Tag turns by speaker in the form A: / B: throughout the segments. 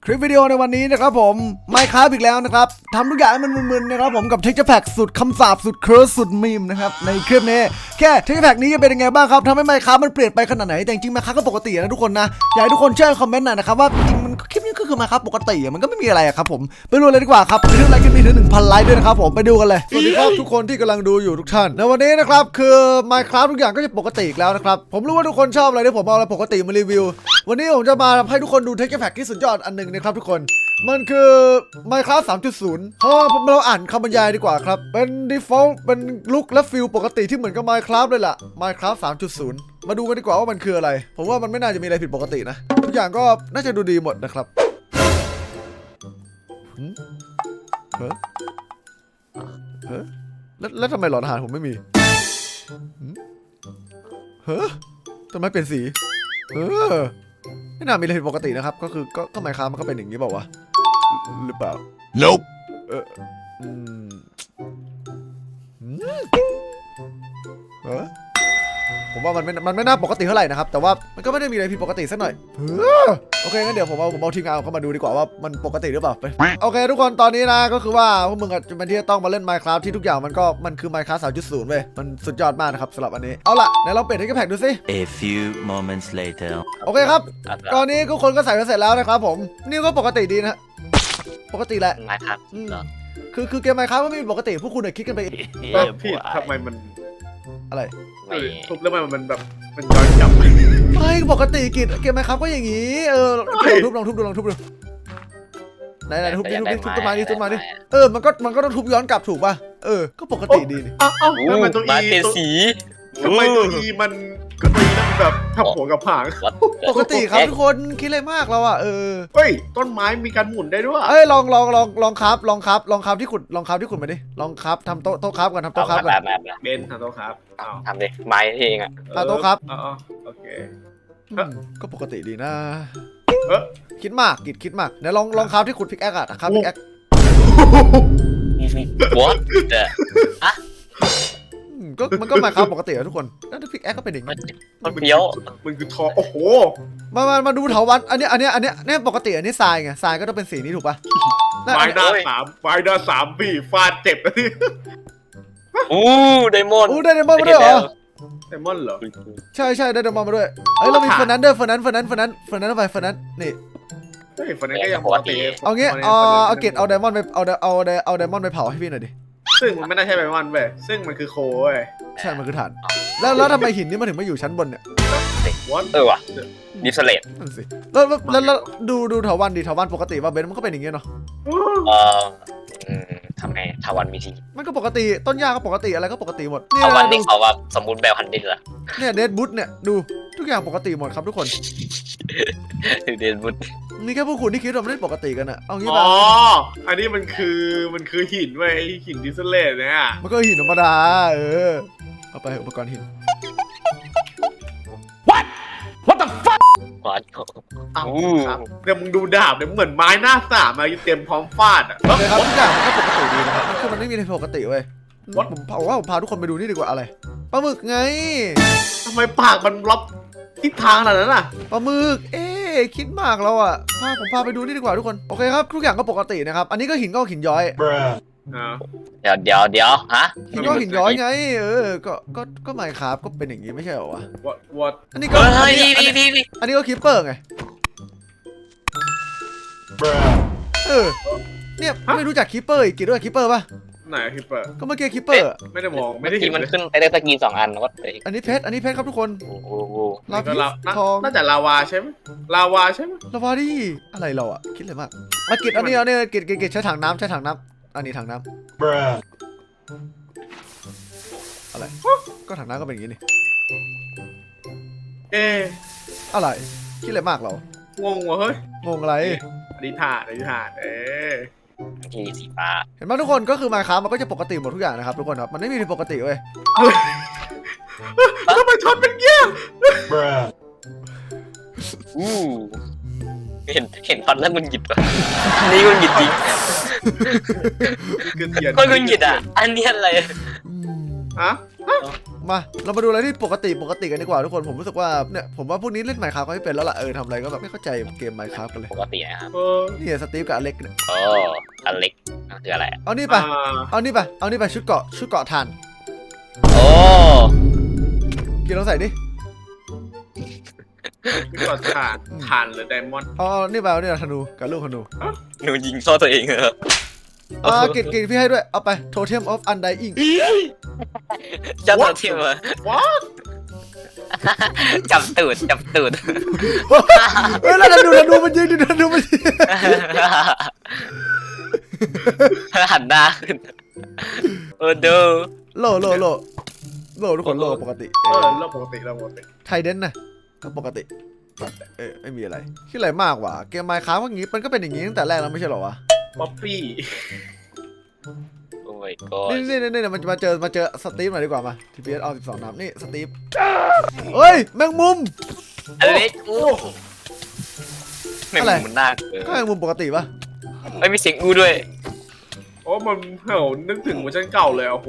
A: คลิปวิดีโอในวันนี้นะครับผมไมค์ครับอีกแล้วนะครับทำทุกอย่างให้มันมึนๆนะครับผมกับเทคเจอร์แพ็กสุดคำสาปสุดเคิร์สสุดมีมนะครับในคลิปนี้แค่เทคเจอร์แพ็กนี้จะเป็นยังไงบ้างครับทำให้ไมค์ครับมันเปลี่ยนไปขนาดไหนแต่จริงๆไมค์ครับก็ปกตินะทุกคนนะอยากให้ทุกคนช่วยคอมเมนต์หน่อยนะครับว่าจริงมันคลิปนี้ก็คือไมค์ครับปกติมันก็ไม่มีอะไรครับผมไปดูเลยดีกว่าครับไปดูไลค์คลิปนี้ถึง 1,000 ไลค์ด้วยนะครับผมไปดูกันเลยสวัสดีครับทุกคนที่กำลังดูอยู่ทุกท่านในวันนี้นะครับคือไมค์ครับทุกอย่างก็จะปกติอีกแล้วนะครับผมรู้ว่าทุกคนชอบอะไรที่ผมเอาอะไรปกติมารีวิววันนี้ผมจะมาให้ทุกคนดูเทคเจอร์แพ็กที่สุดยอดอันหนึ่งนะครับทุกคนมันคือ Minecraft 3.0 เราอ่านคำบรรยายดีกว่าครับเป็น default เป็นลุคและฟิลปกติที่เหมือนกับ Minecraft เลยล่ะ Minecraft 3.0 มาดูกันดีกว่าว่ามันคืออะไรผมว่ามันไม่น่าจะมีอะไรผิดปกตินะทุกอย่างก็น่าจะดูดีหมดนะครับเฮ้อแล้วทำไมหลอดอาหารผมไม่มีเฮ้อทำไมเปลี่ยนสีไม่น่ามีอะไรผิดปกตินะครับก็คือก็Minecraftมันก็เป็นอย่างนี้เปล่าวะหรือเปล่า
B: Nope
A: ผมว่ามันไม่น่าปกติเท่าไหร่นะครับแต่ว่ามันก็ไม่ได้มีอะไรผิดปกติสักหน่อยโอเคงั้นเดี๋ยวผมเอาทีมงานเข้ามาดูดีกว่าว่ามันปกติหรือเปล่าไปโอเคทุกคนตอนนี้นะก็คือว่าพวกมึงจะเป็นที่ต้องมาเล่น Minecraft ที่ทุกอย่างมันคือ Minecraft 3.0 เว้ยมันสุดยอดมากนะครับสำหรับอันนี้เอาล่ะไหนลองเปลี่ยนให้แพ็กดูสิ
B: A few moments later
A: โอเคครับตอนนี้ทุกคนก็ใส่มาเสร็จแล้วนะครับผมนี่ก็ปกติดีนะปกติแหละ
C: Minecraft
A: คือเกม Minecraft ไม่มีปกติพวกคุณคิดกันไปเอง
D: พี่ทำไมมัน
A: อะไร
D: ทุบแล้วมันแบบมันย้อนกลับ
A: ไม่ปกติกิจเกม Minecraft ก็อย่างนี้ลองทุบดูไหนทุบต้นไม้ดิมันก็ต้องทุบย้อนกลับถูกป่ะก็ปกติดีนี่
D: เอ้าทำไมตัว
C: มา
D: อี
C: เป็นสี
D: ทำไมตัวอีมันก็ตัวอีนั่นแบบทับหัวกับผาง
A: ปกติครับทุกคนคิดอะไรมากเราเ
D: เฮ้ยต้นไม้มีการหมุนได้ด้วย
A: ลองครับที่ขุดมาดิลองครับทำโต๊ะครับกันทำโต๊ะครับกัน
D: เบนทำโต๊ะครับ
C: ทำดิไม้เองอ่ะ
A: โต๊ะครับ
D: โอเค
A: ก็ปกติดีนะ
D: เอ๊ะ
A: คิดมากกิจคิดมากเดี๋ยวลองครับที่ขุดพิกแอคอะครับพิกแอค
C: What
A: มันก็มาครับปกติอะทุกคนแล้วพิกแอคก็เป็นอย่างนี้
C: มันเปี้ยว
D: มันคือทอโอ้โห
A: มาดูเถาวัลย์อันนี้ปกติอันนี้ทรายไงทรายก็ต้องเป็นสีนี้ถูกป่ะ
D: ไม้หน้าสามพี่ฟาดเจ็บเลย
C: ไดมอนด์
A: ได้ไดมอนด์มาด้วยเหรอ
D: ไดมอนด์เหรอ
A: ใช่ได้ไดมอนด์มาด้วยเรามีเฟอร์นันด้วยเฟอร์นันเอาไปเฟอร์นันนี่
D: เฮ้ยฝันนั้นก็ยังปกติ
A: เอางี้เอาเกตเอาไดมอนด์ไปเอาไดมอนด์ไปเผาให้พี่หน่อยดิ
D: ซึ่งมันไม่น่าใช่ไดมอนด์เว้ยซึ่งมันคือโคเว้ย
A: ใช่มันคือฐานแล้วทำไมหินนี่มันถึงมาอยู่ชั้นบนเนี่ย
C: ว่ะดิสเลต
A: นั่นสิแล้วดูเถาวัลย์ดิเถาวัลย์ปกติว่าเบนมันก็เป็นอย่างเงี้ยเนาะ
C: ทำไงทาวันมีที
A: มันก็ปกติต้นหญ้าก็ปกติอะไรก็ปกติหมด
C: ทาวันนี่เขาว่าสมบูรณ์แบบ100ละ
A: เนี่ยเดดบุ๊ทเนี่ยดูทุกอย่างปกติหมดครับทุกคน
C: เดนบุต
A: มีแค่พวกคุณที่คิดว่ามันไม่ปกติกันอะเอางี้
D: อ๋
A: ป่ะ
D: ออันนี้มันคือหินเว้ยหินดิสเลตเนี่ย
A: มันก็หินธรรมดาเอาไปอุปกรณ์หิน
C: ก่อน
D: อ้าวครับเดี๋ยวมึงดูดาบเดี๋ยวเหมือนไม้หน้าสามมาเตรียมพร้อมฟาดอ่ะ
A: โอเคครับทุกอย่างมันก็ปกติดีนะครับคือมันไม่มีอะไรปกติเว้ยผมพาทุกคนไปดูนี่ดีกว่าอะไรปลาหมึกไง
D: ทำไมปากมันล็อกทิศทางขนาดนั้นอ่ะ
A: ปลาหมึกคิดมากแล้วอ่ะผมพาไปดูนี่ดีกว่าทุกคนโอเคครับทุกอย่างก็ปกตินะครับอันนี้ก็หินย้อย
C: เดี๋ยวฮะ
A: หินย้อยไงก็ไม่ครับก็เป็นอย่างนี้ไม่ใช่เหรอวะ
D: what
A: อันนี้ก็
C: นี่
A: อันนี้ก็คิปเปอร์ไงเนี่ยไม่รู้จักคิปเปอร์อีกกี่ด้วยคิปเปอร์ป่ะ
D: ไหนคิปเปอร์
A: ก็เมื่อกี้คิปเปอร์
D: ไม่ได้มองไม่ได้
C: ที
D: เห็น
C: มันขึ้นไปได้สกี2 อันวัดเลย
A: อันนี้เพชรครับทุกคน
C: โอ้โห
A: ลาพิสทอง
D: น่าจะลาวาใช่ไหมลาวาใช่ไหม
A: ลาวาดิอะไรเราอ่ะคิดเลยมากมากิดอันนี้กิดใช้ถังน้ำอันนี้ถังน้ำอะไรก็ถังน้ำก็เป็นอย่างนี้นี่อะไรคิดเลยมากเรา
D: งงวะเฮ้ย
A: งงอะไร
D: อธิษฐาน
C: ทีสีฟ้า
A: เห็นไหมทุกคนก็คือMinecraftมันก็จะปกติหมดทุกอย่างนะครับทุกคนครับมันไม่มีผิดปกติเว้ย
D: ทำไมช็อตเป็นเงี้ย
C: เห็นตอนแรกมันหยิบอ่ะนี่มันหยิบจริงก็มันหยิบอ่ะอันนี้อะไร
D: ฮะ
A: มาเรามาดูอะไรที่ปกติกันดีกว่าทุกคนผมรู้สึกว่าเนี่ยผมว่าพวกนี้เล่น Minecraft ก็ไม่เป็นแล้วล่ะทำอะไรก็แบบไม่เข้าใจเกม Minecraft กันเลย
C: ปกตินะครับ
A: นี่สตีฟกับอเล็กเนี่ย
C: โอ้อเล็กนั่นคืออะไร
A: เอานี่ไปชุดเกาะถ่าน
C: โอ้
A: กินลองใส่ดิ
D: นี่ก็ทานหรือไดมอนด์
A: เอานี่ไปเอานี่ธนูกับลูกธนู
C: หนูยิงโซ่ตัวเองเหรอ
A: กินพี่ให้ด้วยเอาไป Totem of Undying
C: จับตัวเทียมมา
D: ว้า
C: จับตูด
A: เฮ้ยแล้วธนูมันยิงดิธนูมันยิง
C: หันหน้าขึ้นโอ้ดู
A: โลทุกคนโลปกติ
D: เราปกติ
A: ไทเดนนะก็ปกติไม่มีอะไรคิดอะไรมากว่ะเกม Minecraft ว่างี้มันก็เป็นอย่างงี้ตั้งแต่แรกแล้วไม่ใช่หรอวะ
D: ป๊อปปี้
C: โอ้ยก็
A: นี่มันมาเจอสตีฟหน่อยดีกว่ามา TPS เอา12น้ำนี่สตีฟเฮ้ยแมงมุม
C: อเล็กโอ้ไม่มันน่าเกิน
A: ก็แมงมุมปกติปะ
C: ไม่มีเสียงอู้ด้วย
D: โอ้มันนึกถึงเวอร์ชันเก่าเลยโอ้โห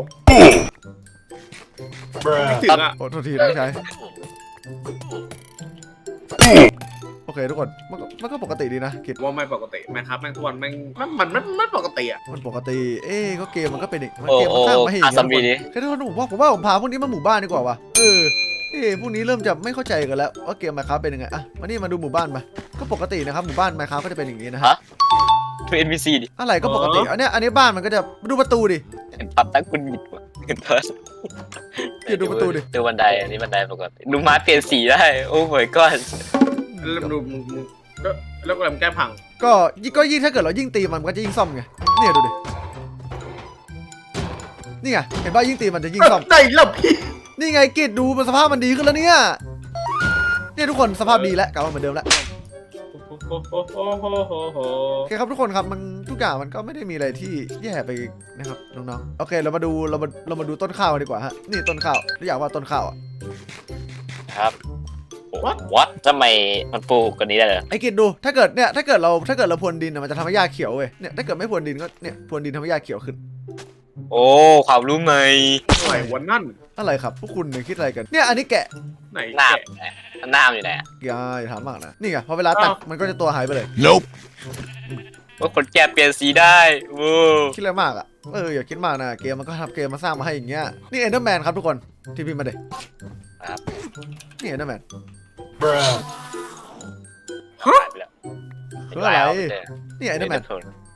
D: นึกถึงอ่ะ
A: โอ้โทษทีน้องชายโอเคทุกคนมันก็ปกติดีนะกิจ
D: ว่าไม่ปกติแม่ครับแม่งทุกวันแม่งมันไม่ปกติอ่ะ
A: มันปกติก็เกมมันก็เป็นอีกมัน
C: โอ้
A: เกมมันสร้างมาให้อย่าง
C: อาซัมบี
A: นี้
C: นี่
A: แค่ทุกคนผมว่าผมพาพวกนี้มาหมู่บ้านดีกว่าวะพวกนี้เริ่มจะไม่เข้าใจกันแล้วว่าเกม Minecraft เป็นยังไงมาดูหมู่บ้านมาก็ปกตินะครับหมู่บ้าน Minecraft ก็จะเป็นอย่างนี้นะฮะ
C: ทู NPC ดิ
A: อะไรก็ปกติอันนี้บ้านมันก็จะดูประตูดิ
C: เห็นปัดตั้งคุณหยิบว่ะเห็นเพิร์ส
A: เดี๋ยวดูประตูดิ
C: ดูบันไดอันนี้บันไดปกติดูไม้เปลี่ยนสีได้โอ้ยก้อน
D: แล้วดูมึงก็แล้วก็แก้พัง
A: ก็ยิ่งถ้าเกิดเรายิ่งตีมันก็จะยิ่งซ่อมไงเนี่ยดูดินี่ไงเห็นป่ะยิ่งตีมันจะยิ่งซ่อม
D: ได้แล้วพี่
A: นี่ไงกิจดูมันสภาพมันดีขึ้นแล้วเนี่ยทุกคนสภาพดีแล้วกลับมาเหมือนเดิมแล้วโอเคครับทุกคนครับมันทุกอย่างมันก็ไม่ได้มีอะไรที่แย่ไปนะครับน้องๆโอเคเรามาดูต้นข้าวดีกว่าฮะนี่ต้นข้าวอยากว่าต้นข้าวอ่ะ
C: ครับวัดทำไมมันปลูกกันนี้ได้เลย
A: ไอ้กิจดูถ้าเกิดเราพรวนดินมันจะทำให้หญ้าเขียวเว้ยเนี่ยถ้าเกิดไม่พรวนดินก็เนี่ยพรวนดินทำให้หญ้าเขียวขึ้น
C: โอ้ความรู้ใหม่
D: ไหนวันนั่น
A: อะไรครับพวกคุณเนี่ยคิดอะไรกันเนี่ยอันนี้แกะ
D: ไหน
C: หน้า
D: แกะ
C: หน้าอยู่ไหน
A: อย่าถามมากนะนี่ไงพอเวลาตัดมันก็จะตัวหายไปเลย
C: ว่าคนแก่เปลี่ยนสีได้โว้
A: คิดอะไรมากอ่ะอย่าคิดมากนะเกมมันก็ทำเกมมาสร้างมาให้อย่างเงี้ยนี่เอนเดอร์แมนครับทุกคนที่พี่มาเด็ก
C: ครับ
A: นี่เอนเดอร์แมน
C: หายไปแล้ว
A: เพื่ออะไรนี่เอนเดอร์แมน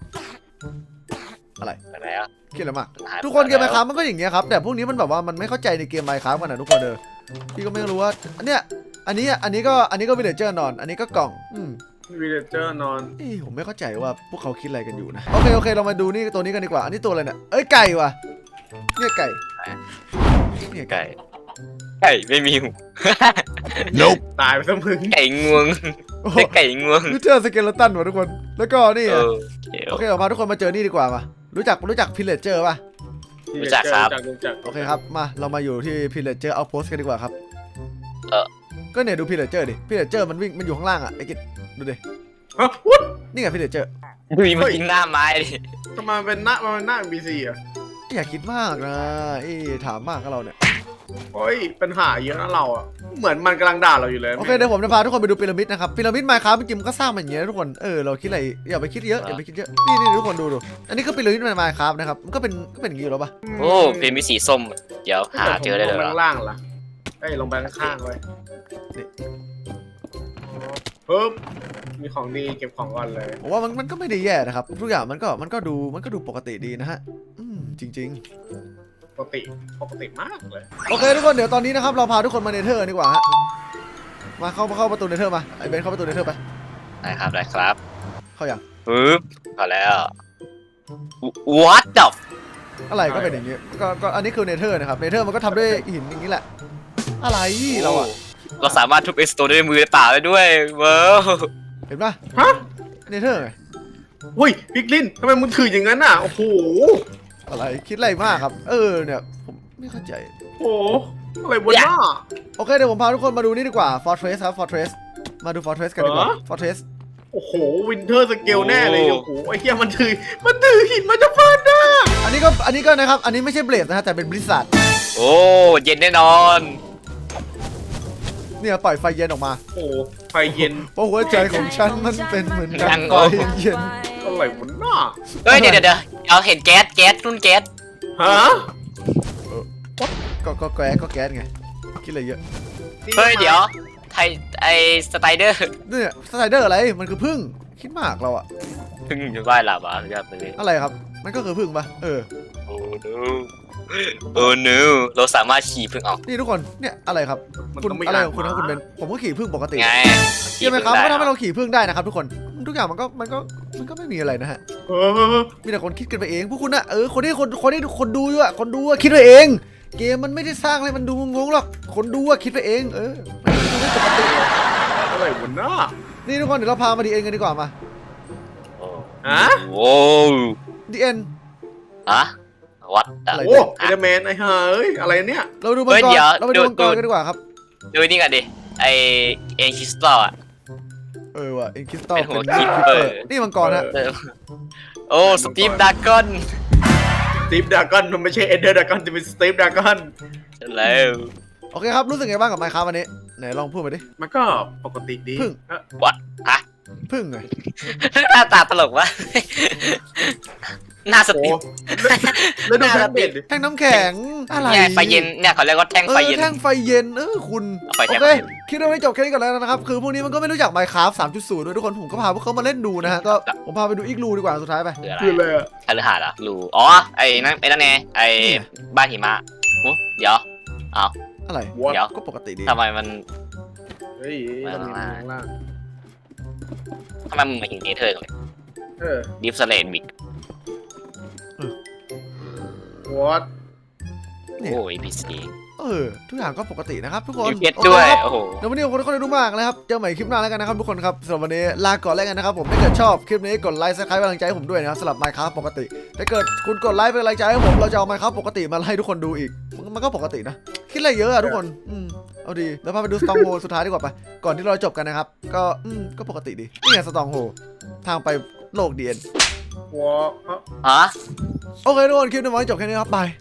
A: อะไร
C: ไปแล้ว
A: คิดอะไรมากทุกคนเกมไมค์ครับมันก็อย่างเงี้ยครับแต่พวกนี้มันแบบว่ามันไม่เข้าใจในเกมไมค์ครับกันนะทุกคนพี่ก็ไม่รู้ว่าอันนี้ก็วิลเลจเจอร์นอนอันนี้ก็กล่อง
D: วิลเลเจอร์นอน
A: ผมไม่เข้าใจว่าพวกเขาคิดอะไรกันอยู่นะโอเคเรามาดูนี่ตัวนี้กันดีกว่าอันนี้ตัวอะไรเนี่ยไก่ว่ะเนี่ยไก่เนี่ยไก่
C: ไก่ไม่มีหู
D: ตายไปซะมึง
C: ไก่งวงไก่งวง
A: นี่เจอสเกเลตันว่ะทุกคนแล้วก็นี่ โอเคพาทุกคนมาเจอนี่ดีกว่ามารู้จักพิลเลจเจอร์ป่ะ
C: รู้จักครับ
A: โอเคครับมาเรามาอยู่ที่พิลเลจเจอร์เอาโพสกันดีกว่าครับก็เนี่ยดูพิลเลจเจอร์ดิพิลเลจเจอร์มันวิ่งมันอยู่ข้างล่างอ่ะไอ้กิจดูดิ
D: ฮะวุ้ด
A: นี่ไงพิลเลจเจอร์
C: ดูมันกินหน้าไม้ดิ
D: ทำไมเป็นหน้า NPC อ่ะ
A: อย่าคิดมากนะถามมากกับเราเนี่ย
D: โอ้ยปัญหาเยอะนะเราอ่ะเหมือนมันกำลังด่าเราอยู่เลย
A: โอเคเดี๋ยวผมจะพาทุกคนไปดูพีระมิดนะครับพีระมิดไมค์ครับเมื่อกี้มันก็สร้างมาอย่างเงี้ยทุกคนเราคิดอะไรอย่าไปคิดเยอะนี่ทุกคนดูอันนี้ก็พีระมิดไมค์ครับนะครับมันก็เป็นอย่างงี้อยู่แล้วป่ะ
C: โอ้เป็นมีสีส้มเดี๋ยวหาเจอได้เลย
D: ลงไปข้างล่างล่ะลงไปข้างๆเลยปึ๊บมีของดีเก็บของก่อนเลย
A: ผมว่ามันก็ไม่ได้แย่นะครับทุกอย่างมันก็ดูปกติดีนะฮะจริง
D: ปกติมากเลย
A: โอเคทุกคนเดี๋ยวตอนนี้นะครับเราพาทุกคนมาเนเธอร์ดีกว่าฮะมาเข้าประตูเนเธอร์มาไอเบนเข้าประตูเนเธอร์ไป
C: ได้ครับ
A: เข้าอย่าง
C: ปึ๊บพอแล้ว What the
A: อะไรก็เป็นอย่างงี้ก็อันนี้คือเนเธอร์นะครับเนเธอร์มันก็ทำด้วยหินอย่างนี้แหละอะไรเรา
C: สามารถทุบเอ็กซ์โตด้วยมือเปล่าได้ด้วยว้าว
A: เห็นปะ
D: ฮะ
A: เนเธอร์ไง
D: เฮ้ยพิกลินทำไมมึงถืออย่างนั้นอ่ะโอ้โห
A: อะไรคิดอะไรมากครับเนี่ยผมไม่เข้าใจ
D: โอ้อะไรวะน่า
A: โอเคเดี๋ยวผมพาทุกคนมาดูนี่ดีกว่า Fortress ครับ Fortress มาดู Fortress กันดีกว่า Fortress
D: โอ้โหวินเทอร์สเกลแน่เลยโอ้โหไอ้เหี้ยมันถือหินมาจะฟาดหน้า
A: อันนี้ก็นะครับอันนี้ไม่ใช่เบลดนะฮะแต่เป็นบริษัท
C: โอ้เย็นแน่นอน
A: เนี่ยปล่อยไฟเย็นออกมา
D: โอ้ไฟเย็น
A: เพราะหัวใจของฉันมันเป็นเหมือนกันไฟเย็น
D: อะไรวะน่า
C: เฮ้ยเดี๋ยวเอาเห็นแก๊สรุ่นแก๊ส
D: ฮะ
A: ก็แก๊สไงคิดอะไรเยอะ
C: เฮ้ยเดี๋ยวไทยไอสไตเดอร์
A: เนี่ยสไลเดอร์อะไรมันคือพึ่งคิดมากเราอะ
C: พึ่งจะว่ายหลับอ่ะยอดไปเลย
A: อะไรครับมันก็คือพึ่งปะ
C: โอ้ no โอ้ no เราสามารถขี่พึ่งออก
A: นี่ทุกคนเนี่ยอะไรครับ
D: มัน
A: คุณ
D: ต้องม่
A: อะไร
D: อ่าน
A: ของคุณครับคุณเบนผมก็ขี่พึ่งปกติ
C: ไง
A: ใช่ไหมครับ
C: ขี่
A: ก็
C: พึ่ง
A: ทำให้
C: ได้
A: เราขี่พึ่งได้นะครับทุกคนทุกอย่างมันก็ไม่มีอะไรนะฮะ
D: เออ
A: มีแต่คนคิดกันไปเองพวกคุณอะคนดูอยู่อะคนดูอะคิดไปเอง เกมมันไม่ได้สร้างอะไรมันดูงงๆหรอกคนดูอะคิดไปเองมันไม่ปกติ
D: อะไรวะน่า
A: นี่ทุกคนเดี๋ยวเราพามาดีเอ็นกันดีกว่ามา
C: โอ้
D: ฮะ
C: โอ้
A: ดีเอ็น
C: ฮะวัด
A: อะไร
D: โอ้ไอเดอร์แมนไอ้ห่าเอ้ยอะไรเนี่ย
A: เราดูมังกรเราไปดูมังกรกันดีกว่าครับ
C: ดูนี่กันดิไอเอ็นคริสตัลอ่ะ
A: ว่ะเอ็นคริสตัล
C: เป็นหัว
A: เป็น
C: Keeper
A: นี่มังกรฮะ
C: โอ้สตีฟดากอน
D: สตีฟดากอนมันไม่ใช่เอเดอร์ดากอนจะเป็นสตีฟดากอน
C: แล้ว
A: โอเคครับรู้สึกไงบ้างกับไมค์ครับวันนี้ไหนลองพูดมาดิ
D: มันก็ปกติดี
A: พึ่ง
C: วัดฮะ
A: พึ่งไง
C: หน้าตาตลกวะหน้าส
D: โอ้
C: ตีฟ
D: แล้วดูแพนเบ็ดดิ
A: แท่งน้ำแข็งอะไร
C: เนี่ยไฟเย็นเนี่ยเขาเรียกว่าแท่งไฟเย็น
A: แท่งไฟเย็นคุณ
C: เอาไฟ
A: โอ
C: แท่ง
A: เค
C: ไฟเย็น
A: คลิปเราไม่จบแค่นี้ก่อนแล้วนะครับคือพวกนี้มันก็ไม่รู้จัก Minecraft 3.0 ด้วยทุกคนผมก็พาพวกเขามาเล่นดูนะฮะก็ผมพาไปดูอีกรูดีกว่าสุดท้ายไป
C: คืออะไร
D: คืออะไรอะ
C: คฤหาสน์เหรอรูอ๋อไอ้นั่นไงไอ้บ้านหิมะหูเดี๋ยว
A: อะไร
D: วอ
C: เดี๋ยว
A: ก็ปกติดี
C: ทำไมมัน
D: เฮ้ยเรามีข้างล่าง
C: ทำไมมันมาถึงเนเธอร์กันเลย
D: เออ
C: ดิฟสเลนบิก
D: วอต
A: เนี่ย
C: โอ้ยพีซี
A: ทุกอย่างก็ปกตินะครับทุกคน
C: ยูเพชรด้วย
A: โอเคครับ
C: โอ้โห
A: เดี๋ยววันนี้ขอบคุณทุกคนที่ดูมากนะครับเจอใหม่คลิปหน้าแล้วกันนะครับทุกคนครับสำหรับวันนี้ลาก่อนแล้วกันนะครับผมถ้าเกิดชอบคลิปนี้กดไลค์ซับสไครป์เป็นกำลังใจให้ผมด้วยนะครับสำหรับ Minecraft ปกติถ้าเกิดคุณกดไลค์เป็นกำลังใจให้ผมเราจะเอา Minecraft ปกติมาให้ทุกคนดูอีกมันก็ปกตินะคิดอะไรเยอะอะทุกคนเอาดีแล้วพาไปดู Stronghold สุดท้ายดีกว่าไปก่อนที่เราจะจบกันนะครับก็ปกติดีนี่ไง Stronghold ทางไปโลกเดียน
D: วอต
C: ฮะ
A: โอเคทุกคนคลิปนี้ไว้จบแค่นี้ครับบาย